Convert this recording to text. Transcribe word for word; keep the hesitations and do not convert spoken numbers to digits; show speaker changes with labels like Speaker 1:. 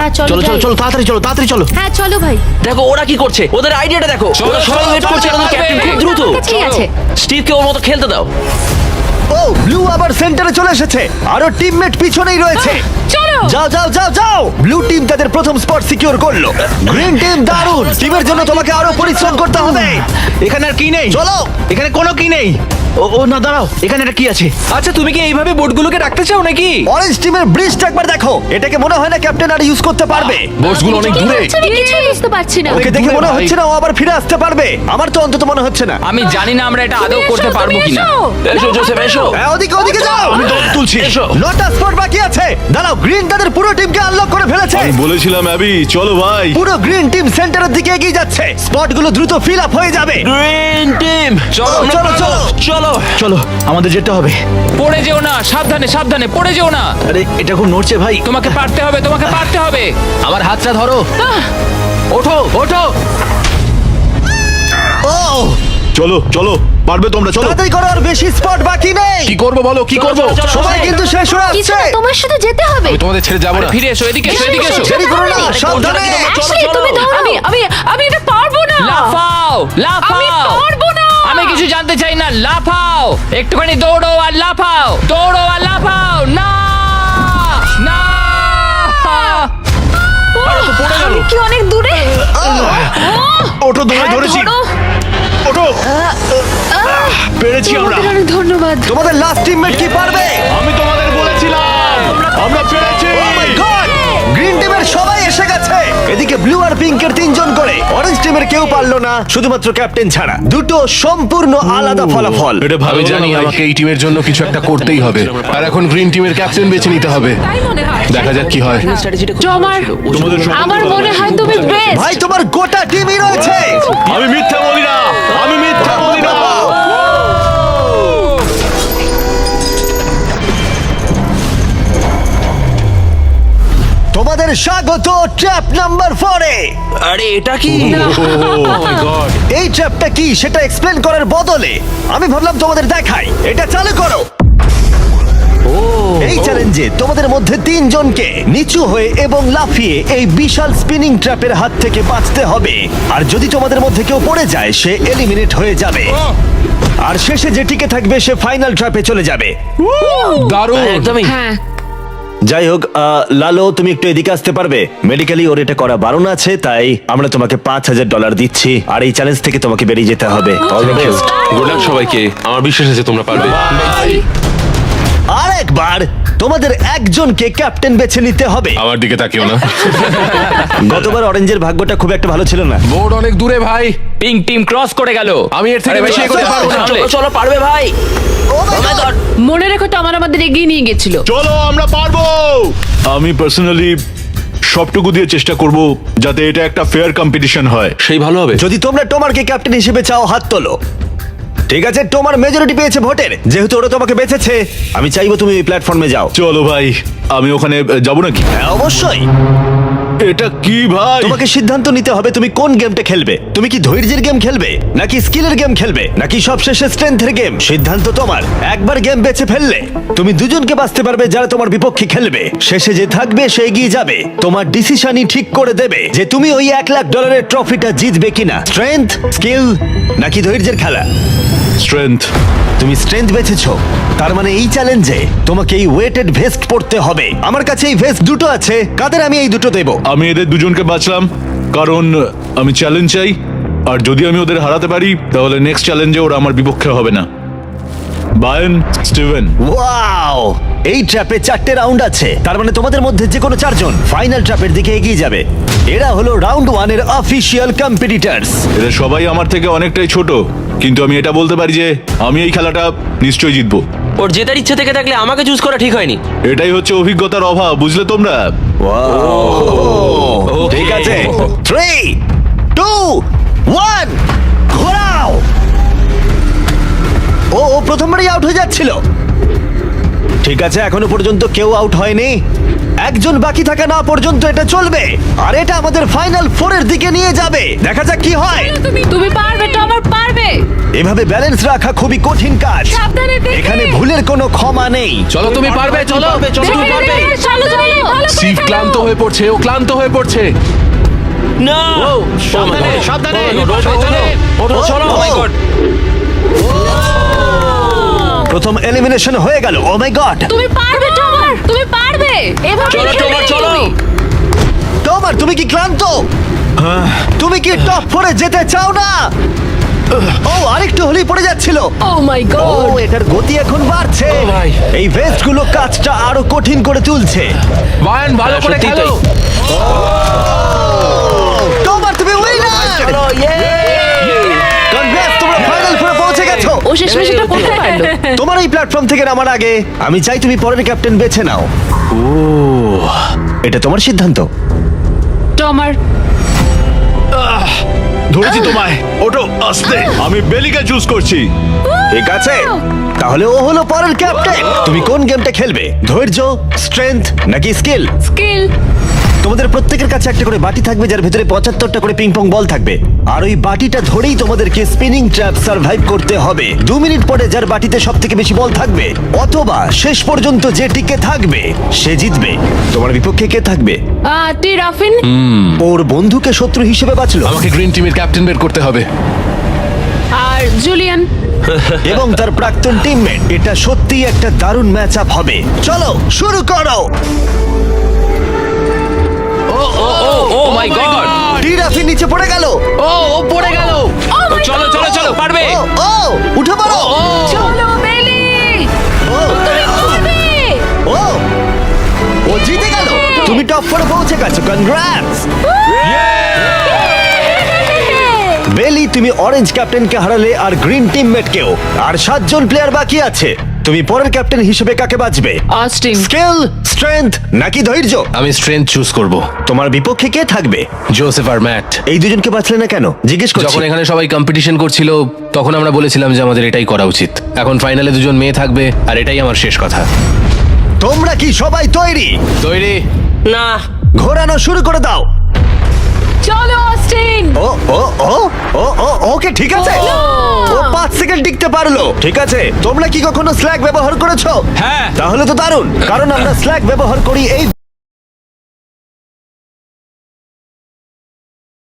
Speaker 1: হ্যাঁ চলো
Speaker 2: চলো চলো
Speaker 1: যাই।
Speaker 2: চলো তাড়াতাড়ি চলো তাড়াতাড়ি চলো।
Speaker 1: হ্যাঁ চলো ভাই।
Speaker 3: দেখো ওরা কি করছে, ওদের আইডিয়াটা দেখো।
Speaker 4: চলো,
Speaker 3: ওরা সবাই
Speaker 4: চলো,
Speaker 3: ওয়েট
Speaker 4: চলো,
Speaker 3: করছে,
Speaker 4: চলো,
Speaker 3: আমাদের ক্যাপ্টেন
Speaker 4: চলো।
Speaker 3: খুব দ্রুত।
Speaker 1: ঠিক আছে।
Speaker 3: স্টিভকে ওর মতো খেলতে দাও।
Speaker 5: ও ব্লু আবার সেন্টারে চলে এসেছে, আরো টিমমেট পিছনেই রয়েছে।
Speaker 1: চলো।
Speaker 5: যাও যাও যাও যাও, ব্লু টিম তাদের প্রথম স্পট সিকিউর করলো। গ্রিন টিম দারুণ, টিমের জন্য তোমাকে আরো পরিশ্রম করতে হবে।
Speaker 2: এখানে আর কি নেই,
Speaker 5: চলো।
Speaker 2: এখানে কোনো কি নেই। ও ও না দাঁড়াও, এখানে একটা কি আছে?
Speaker 4: আচ্ছা তুমি কি এইভাবে বোটগুলোকে রাখতে চাও নাকি?
Speaker 5: অরেঞ্জ টিমের ব্রিজটা একবার দেখো, এটাকে মনে হয় না ক্যাপ্টেন আর ইউজ করতে পারবে।
Speaker 4: বোটগুলো অনেক
Speaker 1: কি
Speaker 4: দূরে।
Speaker 1: হচ্ছে আমি কিছুই বুঝতে পারছি না।
Speaker 5: ওকে দেখে
Speaker 4: দূরে
Speaker 5: মনে
Speaker 4: ভাই।
Speaker 5: হচ্ছে না ও আবার ফিরে আসতে পারবে, আমার তো অন্তত মনে হচ্ছে না।
Speaker 6: আমি জানি না আমরা এটা
Speaker 1: তুমি
Speaker 6: আদৌ
Speaker 1: এসো,
Speaker 6: করতে পারবো
Speaker 1: তুমি
Speaker 6: কিনা।
Speaker 1: এসো।
Speaker 3: এসো জোসেফ এসো।
Speaker 5: হ্যাঁ, ওদিকে ওদিকে যাও।
Speaker 2: আমি তোমাকে তুলছি।
Speaker 3: এসো।
Speaker 5: নটা স্পট বাকি আছে, দাঁড়াও। গ্রিন তাদের পুরো টিমকে আনলক করে ফেলেছে।
Speaker 7: আমি বলেছিলাম অ্যাবি, চলো ভাই।
Speaker 5: পুরো গ্রিন টিম সেন্টারের দিকে এগিয়ে যাচ্ছে, স্পটগুলো দ্রুত ফিল আপ হয়ে যাবে।
Speaker 3: গ্রিন টিম
Speaker 6: চলো
Speaker 5: ও, চলো চলো।
Speaker 3: চলো।
Speaker 2: চলো আমাদের যেতে হবে।
Speaker 6: পড়ে যেও না, সাবধানে সাবধানে পড়ে যেও না।
Speaker 2: আরে এটা খুব নড়ছে ভাই।
Speaker 6: তোমাকে পারতে হবে, তোমাকে পারতে হবে।
Speaker 2: আমার হাতটা ধরো। ওঠো ওঠো।
Speaker 5: ও
Speaker 7: চলো চলো, পারবে তোমরা, চলো।
Speaker 5: তাড়াতাড়ি করো, আর বেশি স্পট বাকি নেই।
Speaker 7: কি করবো বলো, কি করবো?
Speaker 3: চলো, চলো,
Speaker 5: সময়
Speaker 3: চলো।
Speaker 5: কিন্তু শেষ হয়ে
Speaker 1: কিছু
Speaker 5: আসছে।
Speaker 1: না, তোমার সাথে যেতে হবে।
Speaker 7: আমি তোমাদের ছেড়ে যাবো
Speaker 6: আরে
Speaker 7: না।
Speaker 6: ফিরে এসো, এদিকে এসো, এদিকে এসো।
Speaker 5: দেরি করো না, সাবধানে।
Speaker 1: অ্যাশলি তুমি ধরো। আমি আমি আমি এটা পারবো না।
Speaker 6: লাফাও লাফাও।
Speaker 1: আমি পারবো না।
Speaker 6: আমি কিছু জানতে চাই না, লাফাও। একটুখানি দৌড়ো আর লাফাও, দৌড়ো আর লাফাও। না না।
Speaker 1: আমি কি অনেক দূরে?
Speaker 2: ওঠো, তোমায়
Speaker 1: হ্যাঁ,
Speaker 2: ধরেছি।
Speaker 1: ধরো।
Speaker 2: ওঠো। পেরেছি আমরা।
Speaker 1: তোমাদের অনেক ধন্যবাদ।
Speaker 5: তোমাদের লাস্ট টিমমেট কি পারবে?
Speaker 7: আমি তোমাদের বলেছিলাম, আমরা পেরেছি।
Speaker 5: গ্রিন টিমের সবাই এসে গেছে। এদিকে ব্লু আর পিঙ্কের তিনজন করে, অরেঞ্জ টিমের কেউ পারলো না, শুধুমাত্র ক্যাপ্টেন ছাড়া। দুটো সম্পূর্ণ আলাদা ফলাফল।
Speaker 7: এটা ভালো
Speaker 8: আমি জানি আমাকে এই টিমের জন্য কিছু একটা করতেই হবে, আর এখন গ্রিন টিমের ক্যাপ্টেন বেছে নিতে হবে। দেখা যাক কি হয়।
Speaker 3: স্ট্র্যাটেজিটা খুব
Speaker 1: জমার
Speaker 3: ছিল। ও
Speaker 7: তোমাদের
Speaker 3: ছিল-
Speaker 7: সব-
Speaker 1: আমার মনে হয় তুমি বেস্ট।
Speaker 5: ভাই তোমার গোটা টিমই রয়েছে।
Speaker 7: আমি মিথ্যা বলি না, আমি মিথ্যা বলি না।
Speaker 5: তোমাদের স্বাগত ট্র্যাপ নাম্বার ফোরে।
Speaker 3: আরে এটা কি?
Speaker 5: এই ট্র্যাপটা কি সেটা এক্সপ্লেন করার বদলে আমি ভাবলাম তোমাদের দেখাই। এটা চালু করো। এই চ্যালেঞ্জে তোমাদের মধ্যে তিনজনকে নিচু হয়ে এবং লাফিয়ে এই বিশাল স্পিনিং ট্র্যাপের হাত থেকে বাঁচতে হবে। আর যদি তোমাদের মধ্যে কেউ পড়ে যায় সে এলিমিনেট হয়ে যাবে, আর শেষে যে টিকে থাকবে সে ফাইনাল ট্র্যাপে চলে যাবে।
Speaker 4: দারুণ।
Speaker 3: হ্যাঁ, একদমই।
Speaker 1: হ্যাঁ
Speaker 5: যাই হোক, আহ, লালো তুমি একটু এদিকে আসতে পারবে? মেডিকেলি ওর এটা করা বারণ আছে, তাই আমরা তোমাকে পাঁচ হাজার ডলার দিচ্ছি, আর এই চ্যালেঞ্জ থেকে তোমাকে বেরিয়ে যেতে হবে। All the best.
Speaker 8: Good luck সবাইকে, আমার বিশ্বাস আছে তোমরা পারবে।
Speaker 5: আর একবার তোমাদের একজনকে ক্যাপ্টেন বেছে নিতে হবে।
Speaker 8: আমার দিকে তাকিও না।
Speaker 5: গতবার অরেঞ্জের ভাগ্যটা খুব একটা ভালো ছিল না।
Speaker 4: বোট অনেক দূরে ভাই,
Speaker 6: পিঙ্ক টিম ক্রস করে গেল।
Speaker 4: আমি এর থেকে
Speaker 6: আরে
Speaker 4: বেশি
Speaker 6: ভাই,
Speaker 4: এগোতে পারবো না।
Speaker 6: সামলে।
Speaker 3: চলো, চলো পারবে ভাই।
Speaker 5: Oh my
Speaker 3: Oh my
Speaker 5: God!
Speaker 3: God!
Speaker 1: মনে রেখো তো আমার আমাদের এগিয়ে নিয়ে গেছিল।
Speaker 7: চলো, আমরা পারবো। আমি পার্সোনালি সবটুকু দিয়ে চেষ্টা করব যাতে এটা একটা ফেয়ার কম্পিটিশন হয়।
Speaker 8: সেই ভালো হবে।
Speaker 5: যদি তোমরা টোমারকে ক্যাপ্টেন হিসেবে চাও হাত তোলো। ঠিক আছে, টোমার মেজরিটি পেয়েছে ভোটের, যেহেতু ওরা তোমাকে বেঁচেছে আমি চাইবো তুমি এই প্ল্যাটফর্মে যাও।
Speaker 7: চলো ভাই, আমি ওখানে যাব নাকি?
Speaker 5: হ্যাঁ অবশ্যই।
Speaker 7: এটা কি ভাই?
Speaker 5: তোমাকে সিদ্ধান্ত নিতে হবে তুমি কোন গেমটা খেলবে। তুমি কি ধৈর্যের গেম খেলবে, নাকি স্কিলের গেম খেলবে, নাকি সবশেষে স্ট্রেংথের গেম? সিদ্ধান্ত তোমার। একবার গেম বেছে ফেললে তুমি দুজনকে বাঁচতে পারবে যারা তোমার বিপক্ষে খেলবে। শেষে যে থাকবে সে এগিয়ে যাবে। তোমার ডিসিশনই ঠিক করে দেবে যে তুমি ওই এক লাখ ডলারের ট্রফিটা জিতবে কিনা। স্ট্রেংথ, স্কিল, নাকি ধৈর্যের খেলা?
Speaker 7: স্ট্রেংথ।
Speaker 5: তুমি স্ট্রেংথ বেছেছো, তার মানে এই চ্যালেঞ্জে তোমাকে এই ওয়েটেড ভেস্ট পড়তে হবে। আমার কাছে এই ভেস্ট দুটো আছে, কাদের আমি এই দুটো দেবো।
Speaker 7: আমি এদের দুজনকে বাঁচলাম কারণ আমি চ্যালেঞ্জ চাই, আর যদি আমি ওদের হারাতে পারি তাহলে নেক্সট চ্যালেঞ্জে ওরা আমার বিপক্ষে হবে না। বায়েন, স্টিভেন।
Speaker 5: ওয়াও, এই ট্র্যাপে চারটে রাউন্ড আছে, তার মানে তোমাদের মধ্যে যে কোনো চারজন ফাইনাল ট্র্যাপের দিকে এগিয়ে যাবে। এরা হলো রাউন্ড ওয়ানের অফিসিয়াল কম্পিটিটরস।
Speaker 7: এরা সবাই আমার থেকে অনেকটাই ছোট, কিন্তু আমি এটা বলতে পারি যে আমি এই খেলাটা নিশ্চয়ই জিতবো।
Speaker 3: ওর জেতার ইচ্ছে থেকে থাকলে আমাকে চুজ করা ঠিক হয়নি।
Speaker 7: এটাই হচ্ছে অভিজ্ঞতার অভাব, বুঝলে তোমরা?
Speaker 5: ঠিক আছে, থ্রি টু ওয়ান, ঘোরাও। ও ও প্রথমবারই আউট হয়ে যাচ্ছিল। ঠিক আছে, এখনো পর্যন্ত কেউ আউট হয়নি। একজন বাকি থাকা না পর্যন্ত এটা চলবে আর এটা আমাদের ফাইনাল ফোরের দিকে নিয়ে যাবে। দেখা যাক কি হয়।
Speaker 1: তুমি তুমি পারবে টমার পারবে।
Speaker 5: এভাবে ব্যালেন্স রাখা খুবই কঠিন কাজ।
Speaker 1: সাবধানে দেখে।
Speaker 5: এখানে ভুলের কোনো ক্ষমা নেই।
Speaker 4: চলো তুমি পারবে, চলো
Speaker 3: চলো তুমি পারবে।
Speaker 1: চলো চলো ভালো করে
Speaker 4: সিভ
Speaker 1: খেলো।
Speaker 4: ক্লান্ত হয়ে পড়ছে, ও ক্লান্ত হয়ে পড়ছে।
Speaker 3: না
Speaker 2: সাবধানে, সাবধানে।
Speaker 3: সাবধানে ওঠো চলো
Speaker 5: Oh my God! প্রথম এলিমিনেশন হয়ে গেল। Oh my God!
Speaker 1: তুমি পারবে টমার তুমি পারবে। এভাবে
Speaker 3: চলো
Speaker 1: খেলবে
Speaker 3: টমার চলো
Speaker 1: তুমি।
Speaker 5: তোমার তুমি কি ক্লান্ত? তুমি কি টপ ফোরে যেতে চাও না? ও আরেকটু হলেই পড়ে যাচ্ছিল।
Speaker 1: Oh my
Speaker 5: oh
Speaker 1: God.
Speaker 5: এটার গতি এখন বাড়ছে।
Speaker 3: ও ভাই।
Speaker 5: এই ভেস্ট গুলো কাজটা আরো কঠিন করে তুলছে।
Speaker 4: বায়ান ভালো
Speaker 3: হ্যাঁ,
Speaker 4: করে
Speaker 3: সত্যিই
Speaker 4: খেলো।
Speaker 5: তোমার তুমি উইনার।
Speaker 3: চলো ইয়ে
Speaker 5: কনগ্রেস, তোমরা ফাইনাল ফোরে পৌঁছে গেছো।
Speaker 1: ও শেষমেশ এটা করতে পারলো।
Speaker 5: তোমার এই প্ল্যাটফর্ম থেকে নামার আগে আমি চাই তুমি পরের ক্যাপ্টেন বেছে নাও। ও এটা তোমার সিদ্ধান্ত।
Speaker 1: টমার
Speaker 7: ধরেছি তোমায়, ওটো আস্তে। আমি বেলিকে চুজ করছি।
Speaker 5: ঠিক আছে, তাহলে ও হলো পরের ক্যাপ্টেন। তুমি কোন গেমটা খেলবে? ধৈর্য, স্ট্রেংথ নাকি স্কিল?
Speaker 1: স্কিল।
Speaker 5: তোমাদের প্রত্যেকের কাছে একটা করে বাটি থাকবে যার ভেতরে পঁচাত্তরটা করে পিং পং বল থাকবে আর ওই বাটিটা ধরেই তোমাদেরকে স্পিনিং ট্র্যাপ সার্ভাইভ করতে হবে। দু মিনিট পরে যার বাটিতে সব থেকে বেশি বল থাকবে অথবা শেষ পর্যন্ত যে টিকে থাকবে সে জিতবে। তোমার বিপক্ষে কে থাকবে?
Speaker 1: আহ টি রাফিন।
Speaker 5: ওর বন্ধুকে শত্রু হিসেবে বাঁচলো
Speaker 8: আমাকে গ্রিন টিমের ক্যাপ্টেন বের করতে হবে।
Speaker 1: আর জুলিয়ান।
Speaker 5: এবং তার প্রাক্তন টিমমেট। এটা সত্যিই একটা দারুণ ম্যাচ আপ হবে। চলো শুরু করো।
Speaker 3: ও মাই গড
Speaker 5: টিরাফি নিচে পড়ে গেল।
Speaker 4: ও ও পড়ে গেল।
Speaker 3: চলো চলো চলো পারবে
Speaker 5: ও ও উঠে পড়ো।
Speaker 1: চলো বেলি।
Speaker 5: ও
Speaker 1: তুমি পারবে।
Speaker 5: ও ও জিতে গেল। তুমি টপ ফোরে পৌঁছে গেছো। কনগ্রাটস বেলি, তুমি অরেঞ্জ ক্যাপ্টেনকে হারালে আর গ্রিন টিমমেটকেও। আর সাতজন প্লেয়ার বাকি আছে। তুমি পরের ক্যাপ্টেন হিসেবে কাকে বাঁচবে?
Speaker 1: অস্টিন।
Speaker 5: স্কিল, স্ট্রেংথ নাকি ধৈর্য?
Speaker 8: আমি স্ট্রেংথ চুজ করব।
Speaker 5: তোমার বিপক্ষে কে থাকবে?
Speaker 8: জোসেফ আর ম্যাট।
Speaker 5: এই দুজনকে বাঁচলে না কেন জিজ্ঞেস করছি।
Speaker 8: যখন এখানে সবাই কম্পিটিশন করছিল তখন আমরা বলেছিলাম যে আমাদের এটাই করা উচিত। এখন ফাইনালে দুজন মেয়ে থাকবে আর এটাই আমার শেষ কথা।
Speaker 5: তোমরা কি সবাই তৈরি?
Speaker 8: তৈরি?
Speaker 3: না
Speaker 5: ঘোরানো শুরু করে দাও।
Speaker 1: চলো অস্টিন।
Speaker 5: ও ও ও ও ও ওকে ঠিক আছে।
Speaker 1: ও।
Speaker 5: ও পাঁচ সেকেন্ড টিকতে পারলো। ঠিক আছে, তোমরা কি কখনো স্ল্যাগ ব্যবহার করেছো?
Speaker 4: হ্যাঁ।
Speaker 5: তাহলে তো দারুণ, কারণ আমরা স্ল্যাগ ব্যবহার করি এই